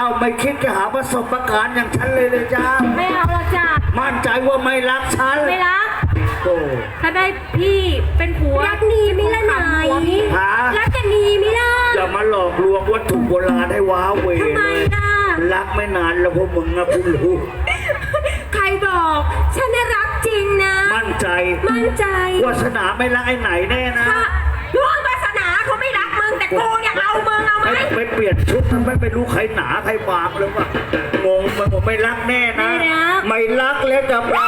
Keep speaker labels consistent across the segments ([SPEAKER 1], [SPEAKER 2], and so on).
[SPEAKER 1] าวไม่คิดจะหาประสบการณ์อย่างฉันเลยจ้า
[SPEAKER 2] ไม่เอาหรอกจ้ะ
[SPEAKER 1] มั่นใจว่าไม่รักฉัน
[SPEAKER 2] ไม่รัก
[SPEAKER 1] โอ้
[SPEAKER 2] ถ้าได้พี่เป็นผัวรักนีมิละไหนรักกันนีมิล่ะ
[SPEAKER 1] อย่ามาหลอกลวงวัตถุโบราณให้ว้าเว
[SPEAKER 2] ทำไมล่ะ
[SPEAKER 1] รักไม่นานแล้วพวกมึงนะคุณรู้
[SPEAKER 2] ใครบอกฉันน่ะรักจริงนะ
[SPEAKER 1] มั่นใจวาสนาไม่รักไอ้ไหนแน่นะ
[SPEAKER 2] ล่วงวาสนาเขาไม่รักมึงแต่กูอยากเอามึงเอาไหม
[SPEAKER 1] ไม่เปลี่ยนชุดมันไม่รู้ใครหนาใครบางเลยว่างงมันผมไม่รักแน่นะไม่รักแล้วจะปรับ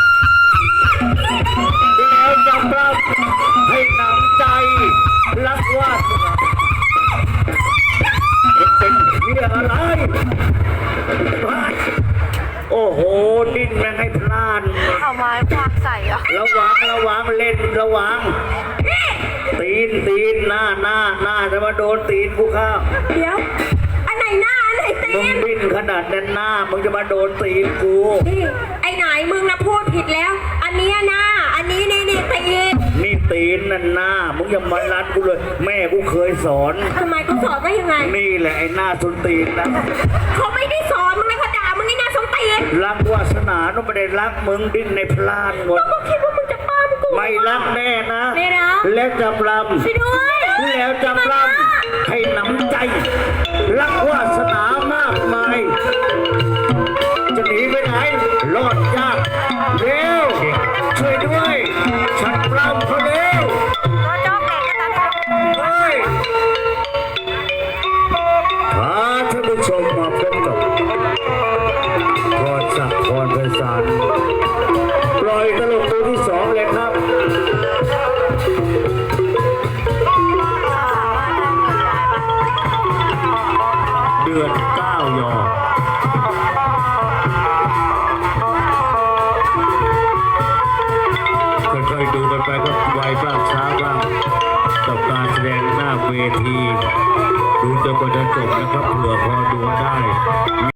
[SPEAKER 1] แล้วจะปรับให้หนำใจรักว่าเป็นเรื่องอะไรโอ้โหดิ้นแม่งให้พลาด
[SPEAKER 2] เอาไม้ควักใส่อะ
[SPEAKER 1] ระวังเล่นระวังตีนหน้าจะมาโดนตีนกูข้าว
[SPEAKER 2] เดี๋ยวอันไหนหน้าอันไหนตีน
[SPEAKER 1] มึงดิ้นขนาดนั้นหน้ามึงจะมาโดนตีนกู
[SPEAKER 2] ไอ้ไหนมึงนะพูดผิดแล้วอันนี้หน้าอันนี้นี่ตีน
[SPEAKER 1] นี่ตีนนั่นหน้ามึงอย่ามาลัดกูเลยแม่กูเคยสอน
[SPEAKER 2] ทำไมกูสอนได้ยังไง
[SPEAKER 1] นี่แหละไอ้หน้าส้นตีนนะ
[SPEAKER 2] เขาไม่ได้สอนมึงนะเขาด่ามึงไอ้หน้าส้นตีน
[SPEAKER 1] รักวาสนาต้องไม่ได้รักมึงดิ้นในพลานหมด
[SPEAKER 2] ก็คิดว่ามึงจะป้ามกู
[SPEAKER 1] ไม่รักแน่นะ
[SPEAKER 2] ไม่รัก
[SPEAKER 1] แล้วจะปลำ
[SPEAKER 2] ช่วยด้วย
[SPEAKER 1] แล้วจะปลำให้หนำใจรักวาสนามากมายจะหนีไปไหนรอดยากเร็วช่วยด้วยฉันปลำเขาเร็วเฮ้ยพาท่านผู้ชมมาพบกับพรศักดิ์พรไพศาลปล่อยตลกตัวที่สองเลยครับเดือน9 ยอค่อยๆดูกันไปก็ไวบ้างช้าบ้างกับการแสดงหน้าเวทีดูจนกว่าจะจบนะครับเผื่อพอดูได้